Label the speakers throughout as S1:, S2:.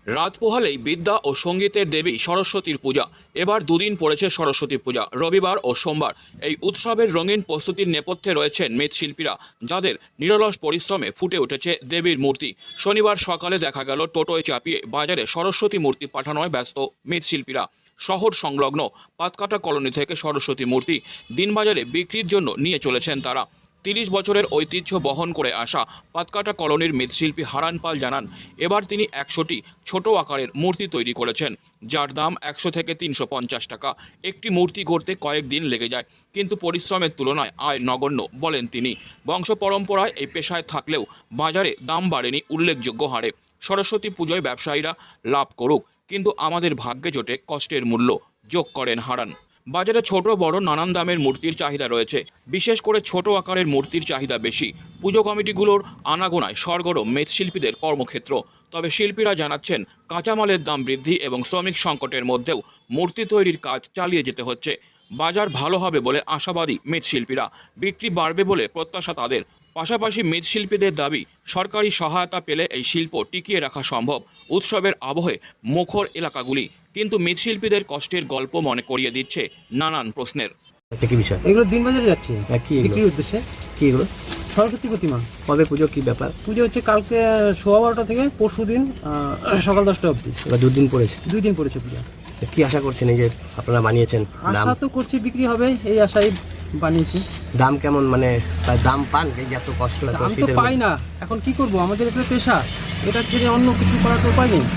S1: রাত পোহালেই বিদ্যা ও সঙ্গীতের দেবী সরস্বতীর পূজা। এবার দুদিন পড়েছে সরস্বতী পূজা, রবিবার ও সোমবার। এই উৎসবের রঙিন প্রস্তুতির নেপথ্যে রয়েছেন মৃৎশিল্পীরা, যাদের নিরলস পরিশ্রমে ফুটে উঠেছে দেবীর মূর্তি। শনিবার সকালে দেখা গেল টোটোয় চাপিয়ে বাজারে সরস্বতী মূর্তি পাঠানোয় ব্যস্ত মৃৎশিল্পীরা। শহর সংলগ্ন পাতকাটা কলোনি থেকে সরস্বতী মূর্তি দিনবাজারে বিক্রির জন্য নিয়ে চলেছেন তারা। ৩০ বছরের ঐতিহ্য বহন করে আসা পাতকাটা কলোনির মৃৎশিল্পী হারান পাল জানান, এবার তিনি ১০০টি ছোট আকারের মূর্তি তৈরি করেছেন, যার দাম ১০০ থেকে ৩৫০ টাকা। একটি মূর্তি গড়তে কয়েকদিন লেগে যায়, কিন্তু পরিশ্রমের তুলনায় আয় নগণ্য বলেন তিনি। বংশ পরম্পরায় এই পেশায় থাকলেও বাজারে দাম বাড়েনি উল্লেখযোগ্য হারে। সরস্বতী পুজোয় ব্যবসায়ীরা লাভ করুক, কিন্তু আমাদের ভাগ্যে জোটে কষ্টের মূল্য, যোগ করেন হারান। বাজারে ছোট বড় নানান দামের মূর্তির চাহিদা রয়েছে, বিশেষ করে ছোট আকারের মূর্তির চাহিদা বেশি। পুজো কমিটিগুলোর আনাগোনায় সরগরম মৃৎশিল্পীদের কর্মক্ষেত্র। তবে শিল্পীরা জানাচ্ছেন, কাঁচামালের দাম বৃদ্ধি এবং শ্রমিক সংকটের মধ্যেও মূর্তি তৈরির কাজ চালিয়ে যেতে হচ্ছে। বাজার ভালো হবে বলে আশাবাদী মৃৎশিল্পীরা, বিক্রি বাড়বে বলে প্রত্যাশা তাদের। পাশাপাশি মৃৎশিল্পীদের দাবি, সরকারি সহায়তা পেলে এই শিল্প টিকিয়ে রাখা সম্ভব। উৎসবের আবহে মুখর এলাকাগুলি কিন্তু মৃৎশিল্পীদের কষ্টের গল্প মনে করিয়ে দিচ্ছে নানান প্রশ্নের।
S2: কি বিষয়?
S3: এগুলো দিনবাজারে যাচ্ছে
S2: কি এগুলো?
S3: বিক্রির উদ্দেশ্যে।
S2: কি এগুলো?
S3: সরস্বতী প্রতিমা।
S2: কবে পুজো, কি ব্যাপার?
S3: পুজো হচ্ছে কালকে 12:15 থেকে পরশু দিন সকাল 10টা অবধি।
S2: এবার দুদিন পড়েছে।
S3: 2 দিন পড়েছে পূজা।
S2: কি আশা করছেন এই যে আপনারা বানিয়েছেন? দাম
S3: আশা তো করছি বিক্রি হবে, এই আশাই বানিয়েছি।
S2: দাম কেমন, মানে তার দাম পান? এই যে এত কষ্ট, এত
S3: দাম তো
S2: শীতের
S3: পাই না, এখন কি করব, আমাদের এটা পেশা, এটা ছেড়ে অন্য কিছু করার তো উপায় নেই।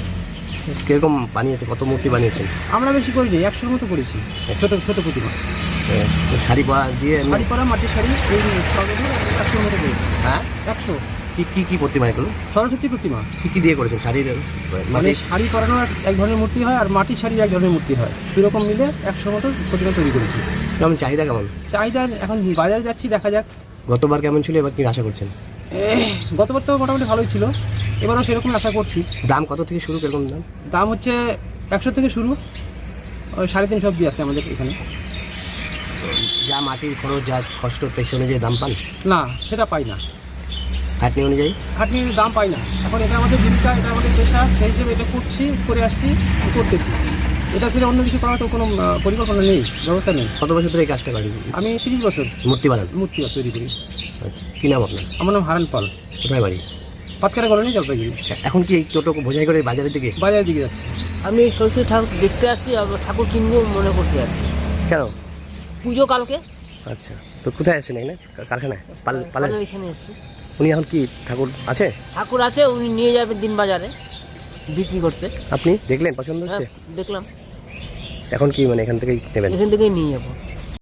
S2: কিরকম বানিয়েছে, কত মূর্তি বানিয়েছেন?
S3: আমরা বেশি করিনি, 100-র মতো করেছি। ছোট ছোট প্রতিমা,
S2: শাড়ি পরা দিয়ে
S3: শাড়ি পরা, মাটির শাড়ি, এই সবগুলো 100-র মতো করেছি।
S2: হ্যাঁ,
S3: 100
S2: কি কি কি প্রতিমা এগুলো?
S3: সরস্বতী প্রতিমা।
S2: কি কি দিয়ে করেছেন? শাড়ি
S3: মানে শাড়ি পরানো এক ধরনের মূর্তি হয়, আর মাটির শাড়ি এক ধরনের মূর্তি হয়, দুরকম মিলে 100 মতো প্রতিমা তৈরি করেছি।
S2: কেমন চাহিদা, কেমন
S3: চাহিদা এখন বাজারে যাচ্ছি, দেখা যাক।
S2: গতবার কেমন ছিল, এবার কি আশা করছেন?
S3: গতবার তো মোটামুটি ভালোই ছিল, এবারও সেরকম আশা করছি।
S2: দাম কত থেকে শুরু, কিরকম দাম?
S3: দাম হচ্ছে 100 থেকে শুরু, ওই 350 অবধি আছে আমাদের এখানে।
S2: যা মাটির খরচ, যা কষ্ট, তাই সে অনুযায়ী দাম পান?
S3: না, সেটা পাই না,
S2: খাটনি অনুযায়ী
S3: খাটনির দাম পাই না। এখন এটা আমাদের জীবিকা, এটা আমাদের পেশা, সেই হিসেবে এটা করছি, করে আসছি, করতেছি। এটা ছেড়ে অন্য কিছু করার তো কোনো পরিকল্পনা নেই, ব্যবস্থা নেই।
S2: কত বছর ধরে এই কাজটা করেন?
S3: আমি 30 বছর
S2: মূর্তি বানান?
S3: মূর্তি তৈরি করি।
S2: আচ্ছা, কি নাম আপনার?
S3: আমার নাম হারান পাল।
S2: কোথায় বাড়ি?
S3: পাতকাটা কলোনি, জলপাইগুড়ি।
S2: এখন কি এই টোটো বোঝাই করে বাজারের দিকে?
S3: বাজারের দিকে যাচ্ছে।
S4: আমি সরস্বতী ঠাকুর দেখতে আসছি, ঠাকুর কিনবো মনে করছি আর কি।
S2: কেন?
S4: পুজো কালকে।
S2: আচ্ছা, তো কোথায় আসছেন? এখানে কারখানায় পালেন?
S4: পালের এখানে এসছি।
S2: উনি এখন কি ঠাকুর আছে?
S4: ঠাকুর আছে, উনি নিয়ে যাবেন দিন বাজারে বিক্রি করতে।
S2: আপনি দেখলেন, পছন্দ
S4: হ্যাঁ,
S2: হচ্ছে?
S4: দেখলাম,
S2: এখন কি মানে এখান থেকেই নেবেন?
S4: এখান থেকেই নিয়ে যাবো।